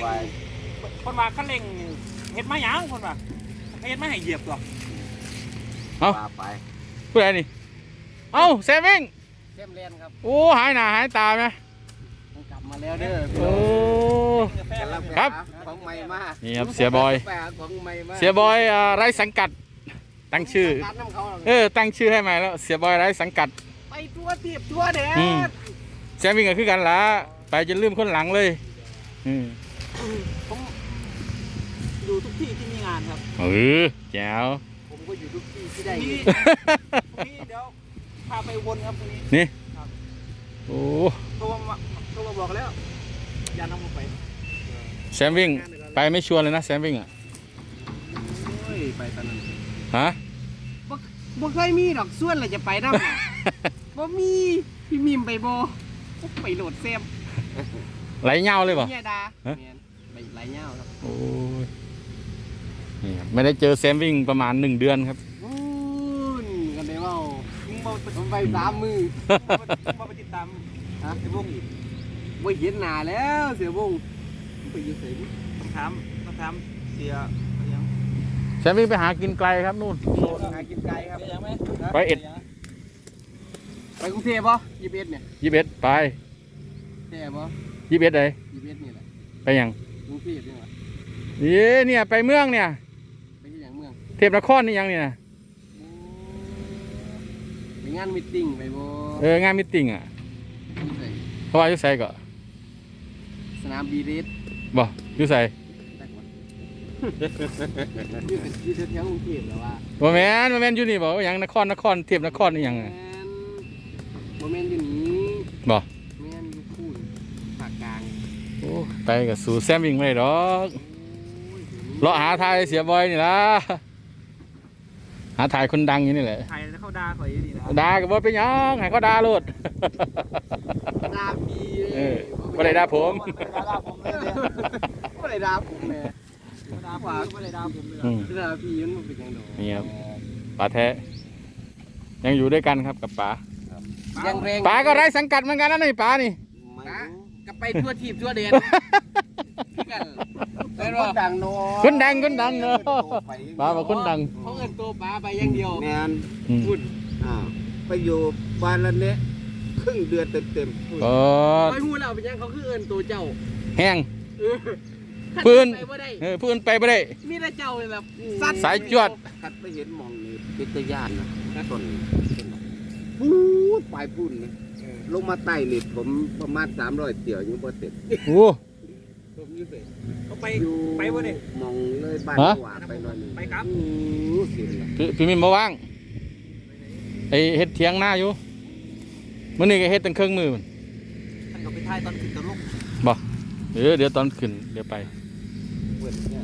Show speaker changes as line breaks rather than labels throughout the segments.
งคนว่าคันเร่งเฮ็ดมาหยังคนว่าเฮ็ดมาให้เหยียบตัว
เอาไปผู้ใดนี่เอ้าแซมวิ่ง
เต็มเรียนครับ
โอ้หายหน้าหายตาไหม
กลับมาแล้วเด้อ
โอ้ครับ
ของใหม่มา
นี่ครับเสียบอย
ของใหม่มา
เสียบอยไร้สังกัดตั้งชื่อตั้งชื่อให้ใหม่แล้วเสียบอยไร้สังกัด
ไปทั่วทีบทั่วแดน
แซมวิ่งก็คือกันละไปจนลืมคนหลังเลย
ผมดูทุกที่ที่มีงานครับ
แจ๋ว
ผมก็อยู่ทุกที่ที่ได้
นี่เดี๋ยวพาไปวนครับตรงนี้
นี่
ครับ
โอ้
โทรมาบอกแล้วอย่านำผมไป
แซมวิ่งไปไม่ชวนเลยนะแซมวิ่งอ่ะ
โอ้ยไปตอนนั้น
ฮะ
บ่เคยมีดอกส่วนเลยจะไปน้ำบ่มีพี่มิมไปบ่ไปโหลดแซม
ไหลเงาเลยป่ะ
เนี่ยดาไปไหลเงาครับ
โอ้ยนี่ครับไม่ได้เจอแซมวิ่งประมาณ1 เดือนครับ
กันได้ว่าผมไป3 มือ
มาไปติดตาม
ฮะ
ไอ้วงอีก
ไม่เห็นหน้าแล้วเสียวงไปอยู่ไส
ต้องถามเสียยัง
แซมวิ่งไปหากินไกลครับนู่น
หากินไกลครับ
ยังไหม
ไปเอ็ด
ไปกรุงเทพป่ะ21เนี่ย
21ไป
แท้ป่ะ
21เลย
21นี่แหละ
ไปยัง
กรุงเทพนี่หว่า
เนี่ยไปเมืองเนี่ย
ไปที่อย่างเมือง
เทพนครนี่ยังเนี่ย
ไปงานมีตติ้งไปบ่
งานมิตติ้งอ่ะ
อยู่ไส
เพราะว่าอยู่ไสก็
สนามบีเรส
บ่อยู่ไส
อยู่แถวกรุงเทพแล้วว่า
บ่แม่นอยู่นี่บ่ว่าหยังนครเทพนครนี่ยัง
บ่แม่นอยู่นี้
บ่
แม่นอยู่คูนภาคกลาง
โอ้ไปกับสู่แซมวิ่งไม่ได้ดอกเลาะหาทายเสียบอยนี่ล่ะหาทายคนดังอยู่นี่แหละ
ถ่ายแล้วเข้าด่าข่อยดีนะ
ด่าก็บ่เป็นหยังให้เขาด่าโลด
ดาบี
บ่ได้ด่าผม
บ่ได้ดาผมแม่
ด่าผมไม่ได้ด่าผมเลย
ดาพี่มันเป็นจังได๋
นี่ครับป๋าแท้ยังอยู่ด้วยกันครับกับป๋า
ยังแรง
ป๋าก็ไร้สังกัดเหมือนกันนะนี่ป๋านี่
ก็ไปทั่วทีบทั่วแดนกันเป็นว่าดังโน
คนดังเนาะป๋าบอกคนดัง
เขาเอิ้นตัวป๋าไปอย่างเดียว
แมน
พุ่น
ไปอยู่บ้านละเนี้ยครึ่งเดือนเต็ม
ก็
คอยฮู้แล้วเป็นหยังเขาคือเอิ้นตัวเจ้า
แห้ง
ปื
ปืน
ไปบ่ได้
ปืนไปบ่ได้
มีแต่เจ้าแบบสัตว์
สายจวด
ๆคัดไปเห็นหมองนี่เป็นตะย่านนะต้นพูดปลายพุ่นนะลงมาใต้นี่ผมประมาณ300เตี่ยวยังบ่เสร็จ
โอ้
ผมอยู่ไส
เขาไป
อยู่
ไปวะเนี่ย
หมองเลยบ้านหวาไปหน่อยหนึง
ไปครับ
เห็นละ
พี่มิมบ่ว่างไอเฮ็ดเถียงหน้าอยู่มื้อนี้ก็เฮ็ดตั้งครึ่งมือมัน
ท่านก็ไปถ่ายตอนขึ้นตอนลง
บ่เดี๋ยวตอนขึ้นเดี๋ยวไป
เปิดเนี่ย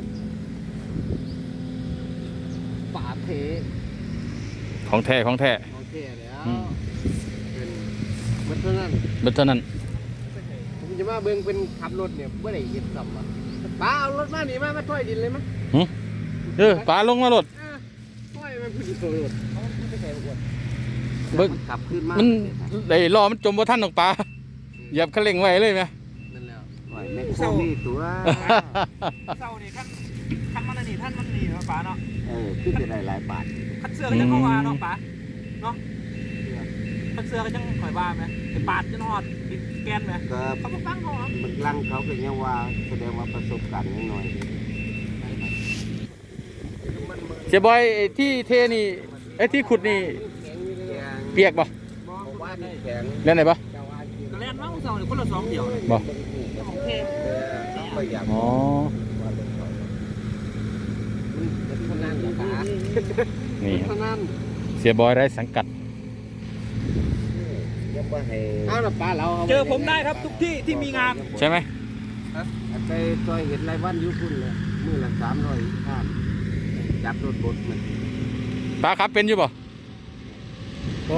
ป่าเท
ของแท้
โอเคแล้วเป็นมันเท่านั้น
เบิดเท่านั้น
ผมจะมาเบิ่งเป็นขับรถเนี่ยบ่ได้เฮ็ดซ้ำอ่ะป้าเอารถมานี่มาถ้อยดินเลยมั้ย
ป๋าลงมารถ
ถ้อยมันผู้ดีตัวรถเขาไม่ใช่บ่อ้วน
เบิ่ง
กลับขึ้นมา
มันไอ้ล้อมันจมบ่ทันดอกป๋าเหยียบคันเร่งไว้เลยไหม
นั่นแล้ว
ไหวแม่โคนี่ตัว
เศร้านี่ขั้นมันนี่ท่านมันนี่เนาะป๋าเนาะ
ขึ้นจะได้หลายบาท
คัดเสื้อก็ยังเข้ามาเนาะป๋าเนาะคัดเสื้อก็ยังข่อยว่าไหมไอ้ปาดจะนอดดินแกนไหม
ก็
เขาก็ฟังเขาครับ
มันลังเขาก็ยังว่าแสดงว่าประสบการณ์ยังน้อย
เสียบอยไอ้ที่เทนี่ไอ้ที่ขุดนี่เปียกบ่
บอกว่านี่แข็ง
เล่นไหนบ่
ก็แล่นมาเศร้าเนี่ยคนละ2เดียวเลย
บ่
ของเทพ
เขาก็อยาก
อ๋อ
เท่านั้นแหละป้า
นี่ครับ
เท่านั้น
เสียบอยไร้สังกัด
ยังว่าให้
เอาล่ะป้าเรา
เจอผมได้ครับทุกที่ที่มีงาน
ใช่ไหม
ไปซอยเห็นรายวันอยู่พุ่นเลยมื้อละ300ข้ามจับรถบดมัน
ป๋าขับเป็นอยู่บ่โอ้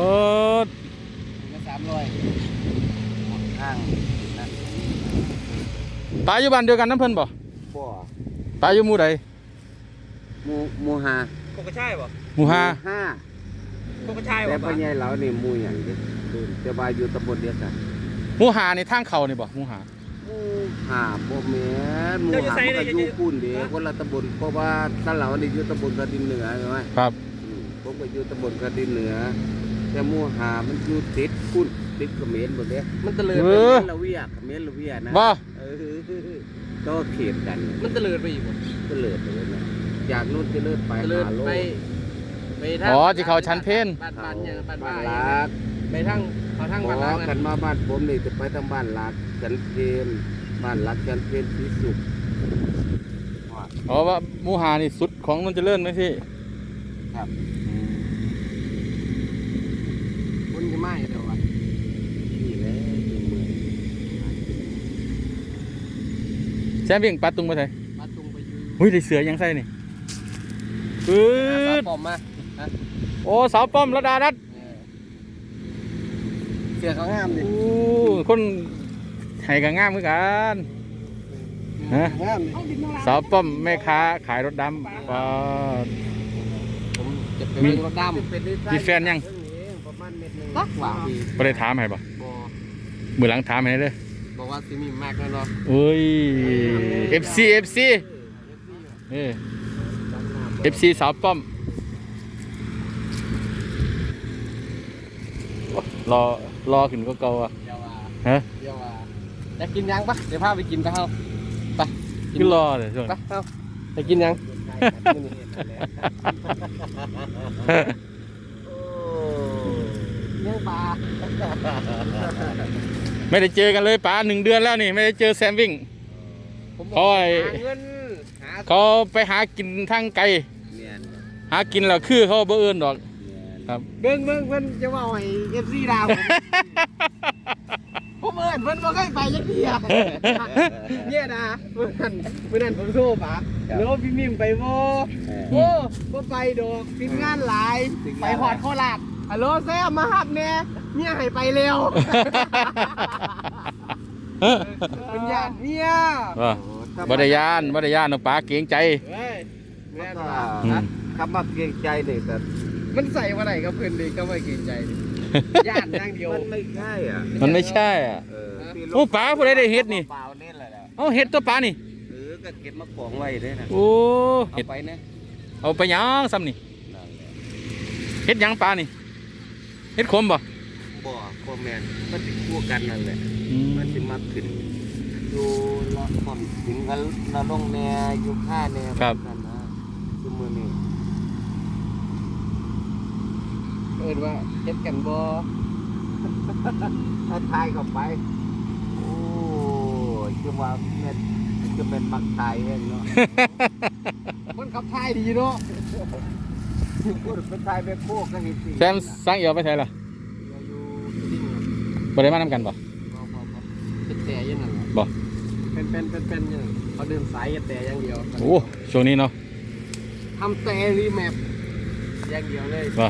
300
ข้างนั่น
ป๋าอยู่บ้านเดียวกันน้ำเพิ่นบ่
บ่
ป๋าอยู่หมู่ใด
หมู่ห้า
โคกระช่ายป่ะ
หมู่ห้า
ห้า
โคกระช่าย
แต่
ป่ะ
พ่อใหญ่เหล่านี่หมู่หยังเด้แต่ว่าอยู่ตำบลเดียวกัน
หมู่ห้านี่ทางเขานี่บ่หมู่ห้า
ห
หาบ่แม่นหมู่หามันก็อยู่พุ่นเด้คนละตำบลเพราะว่าตะเหลานี่อยู่ตำบลกระดินเหนือใช่ไหม
ครับ
ผมก็อยู่ตำบลกระดินเหนือแต่หมู่หามันอยู่ติดพุ่นติดเขมรหมดเด้มันตะเลิดไปเขมรละเวียเขมรละเวียนะ
บ่
ก็เขตกัน
มันตะเลิดไปอีกบ่
ตะเลิดไปเลยนะจากนู้นตะเลิดไป
ตะเลิด
หาโล
ไปทาง
อ๋อที่เขาชั้นเพน
บ้านเนี่ยบ้าน
บ้าน
บ้า
ลัก
ไปทางเขาทาง
อ๋
บ้าน
อ
ลัก
กัน
นะ
มาบ้านผมนี่จะไปทางบ้านลักจันเพนบ้านลักจันเพนศรีสุข
อ๋อว่าหมูหานี่สุดของนนเจริญไหมพี่
ครับ
คนจะไม่เดี๋ยววะ
นี่แหละที่เมือง
แซมวิ่งปลาตุงไปไทย
มาตุงไปอยู่
หุ้ยได้เสือยังใส่นี่ปื๊
สาว
ด
ปอมมา
โอ้สาวป้อมระดานัด
เสือเขางามดิ
โอ้คนไห้กับงามเหมือนกัน ฮะ
งามดิ
สาวป้อมแม่ค้าขายรถดำปลา
ผมจะไปเบิ่งรถดำ
มีแฟนยัง
ประมาณเม็ดหนึง
ตักว่าดี
ไม่ได้ถามให้ป่ะ
บอ
มือหลังถามให้เด้อ
บอกว่าซีมีมากแล้วเนาะ
โอ้ย FC เออ FC สาวป้อมรอขึ้นก็เก่าอ่ะ
เดี๋ยวว่า
ฮะ
เดี๋ยวว่าจะกินยังปะเดี๋ยวพาไปกินไปเฮาไป
คือรอเลยช่วง
ไปเฮาไปกินยัง ยังปลา
ไม่ได้เจอกันเลยป๋า1 เดือนแล้วนี่ไม่ได้เจอแซมวิ่ง
ผมบ
โอ้
อก
ย
หาเงินหา
เขาไปหากินทางไกล
เนียน
หากินแล้วคือเขาบ่เอื่นดอก
เนียน
ครับ
เบิ่งเพิ่นจะว่าให้ FC ดาวผมเอิ้นเพิ่นบ่เคยไปจักเที่ยเนี่ยนะมื้อนั้นผมโทรปะแล้วพี่มิมไปบ่ โอ้บ่ไปดอกทีมงานหลาย ไปหอดโคราชฮัลโหลแซมมาหับแน่เนี่ยให้ไปเร็วเป็นญาติเนี่ย
ว่าบริยานน้องป๋าเกรงใจ
เฮ้ยแม่น
ก็
ว่า
อืม
คำว่าเกรงใจนี่แต่
มันใส่มาไหนกับเพื่อนเลยก็ไม่เกรงใจดิญาติอย่างเดียว
มันไม่ใช่อ่ะ
มันไม่ใช่อ่ะ
ที่
โอ้ป๋าผู้ใดได้เฮ็ดนี่
เปล่าเนี่ยแหละ
เอาเฮ็ดตัวป๋านี่
ก็เก็บมาของไว้ด้วยนะ
โอ้
เอา
เฮ็ด
ไปนะ
เอาไปหยังซ้ำนี่
นั่นแหละ
เฮ็ดหยังป๋านี่เฮ็ดขมบ่
บ่คอมแมนมันติดคู่กันนั่นแหละ
อืม
มันจะมาขึ้นอยู่ละคนถึงกันละลงแนอยู่ค่าแนนั่นนะคือมือนี่
เอิ้นว่าเฮ็ดกันบ่
ถ้าทายเข้าไป โอ้ยคือว่าแม่นจะเป็นมักตายเองเนาะ
มันขับถ่ายดีเนาะ
พูดเป็นทายเป็นพวกก็เห็นสิ
แซมสร้างเอี่ยวไปไสล่ะ
อยู่ดิ้ง
บ่ได้มานํกันบ่
เป็นแต่อยังนั่นล่ะ
บ่
เป็นอยังนั้นเขาเดินสายแต่อย่างเดียว
โอ้ช่วงนี้เนาะ
ทำแต่รีแมปอย่างเดียวเลย
บ่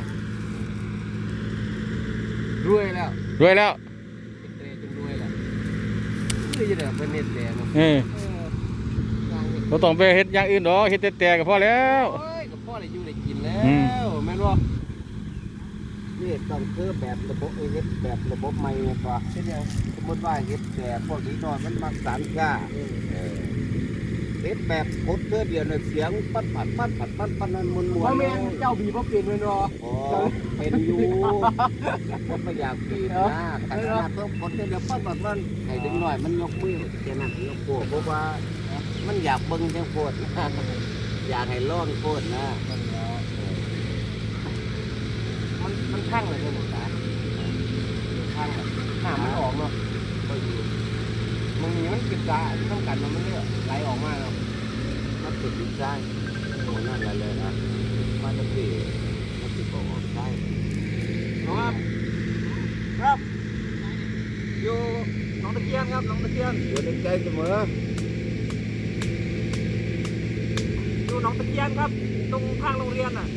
รวยแล้ว
รวยแล้ว
เป็นแต่จนรวยแล้วคือจะได้เป็นเน็ตแต่เนาะ
เออ
อย่างนี้
บ่ต้องไปเฮ็ดอย่างอื่นดอกเฮ็ดแต่ก็พอแล้ว
โอ้ยกับพ่อได้อยู่ได้กินแล้
อืม
วแม่นบ่
นี่ต้องคือแบบระบบเฮ็ดแบบระบบใหม่เนี่ยป่ะ
เฮ็ดหยัง
สมมติว่าเฮ็ดแต่พวกนี้นอนมันมักสารก้าเฮ็ดแบบกดเพื่อเดียวเนี่ยเสียงปัดปัดนั่นมวน
พ่อแม่เจ้าบีบ่เป็นแม่นบ่
อ๋อเป็นอยู่ผมไม่อยากปีนนะแต่ขนาดต้องกดเดียวปัดมันให้ดึงหน่อยมันยกมือแค่นั้นยกโป้เพราะว่ามันอยากเบิ่งจังโคตรอยากให้ร้อนโคตรนะ
มันข้างเลยเนี่ยหมดตาข้างเลยหน้ามันออกเนาะบางทีมันกินตาต้องกันมันเลือดไหลออกมาเนาะ
มันติดดินได้โอ้นั่นแหละเลยนะมันจะติดมันติดออกได้
ครับอยู่หนองตะเคียนครับหนองตะเคียน
อยู่ในใจเสมอ
อยู่หนองตะเคียนครับ ตรงข้างโรงเรียนอ่ะ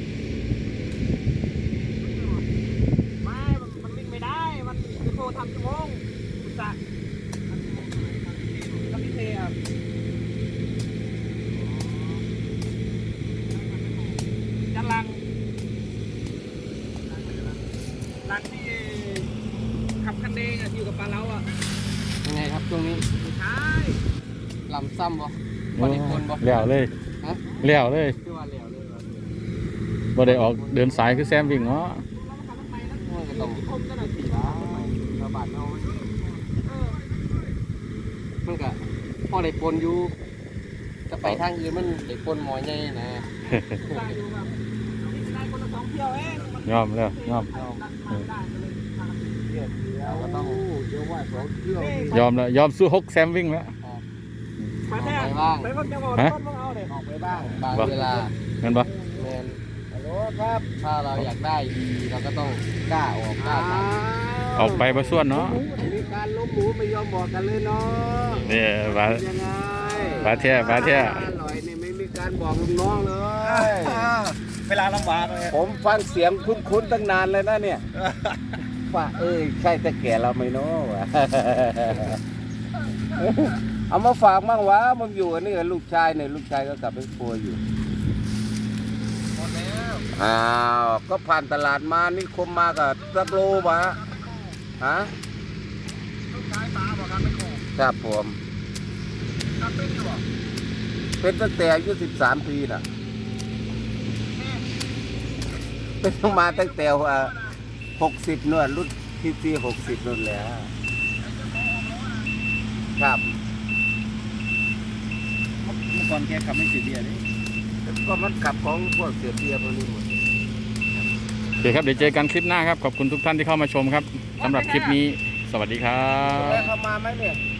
ไม่มันวิ่งไม่ได้ มันจะโทรทำชั่วโมงอุตส่าห์กับพี่เทครับจันลังที่ขับคันเดงอยู่กับปลาเล้าอ่ะยังไงครับตรงนี้ทลำซ้ำบ่
โอ้
บ่ได้คนบ่
แล้วเลย
ฮะ
แล้วเลย
คือว่าแล้วเลยว่า
บ่ได้ออกเดินสายคือแซมวิ่งเนาะ
มันก็ต้องตีบ้าชาวบ้านเอามันก็พอได้ปนอยู่จะไปทางอื่นมันได้ปนหมอใหญ่นะ
ได้อยู่แบบได้คนละ2เที่ยวเองมัน
ยอมแล้วยอม
เราก็ต้อง
เดี๋ยวว่าสองเที่ยวย
อมแล้วยอมสู้ฮกแซมวิ่งแล้ว
มาแท้
ไปบ้าง
ไปเพิ่งจะบอก
ฮะ
ต้นมึงเอาเด็ก
ออกไปบ้างบางเวลา
เห็นปะ
แมน
ฮัลโหลครับ
ถ้าเราอยากได้ดีเราก็ต้องกล้าออกกล้าท
ออกไปบ่ส่วนเนาะ
มีการล้มหมูไม่ยอมบอกกันเลยเนาะ
เนี่ยว่า
ยังไง
บาแท้บาแท้
อร่อยนี่ไม่มีการบอกลูกน้องเลย
เวลาลำบากเลย
ผมฟังเสียงคุ้นๆตั้งนานเลยนะเนี่ยว่าใช่แต่แก่เราไหม่เนาะวะ เอามาฝากมั่งวะมึงอยู่อันนี้กับลูกชายเนี่ยลูกชายก็กลับไปครัวอยู่อ้าวก็ผ่านตลาดมานี่คมมากับสักโลวะฮะครับผมเป็นตั้งแต่อายุ13 ปีน่ะเป็นมาตั้งแต่60นวดรุ่นที่60นู่นแหละครับ
เมื่อก่อนแกขับไม่เสียเบียร์นี่
ก็มันขับของพวกเสียเบียร์พวกนี้หมด
โอเคครับเดี๋ยวเจอกันคลิปหน้าครับขอบคุณทุกท่านที่เข้ามาชมครับสำหรับคลิปนี้สวัสดีครับ
แล้วเขามาไหมเนี่ย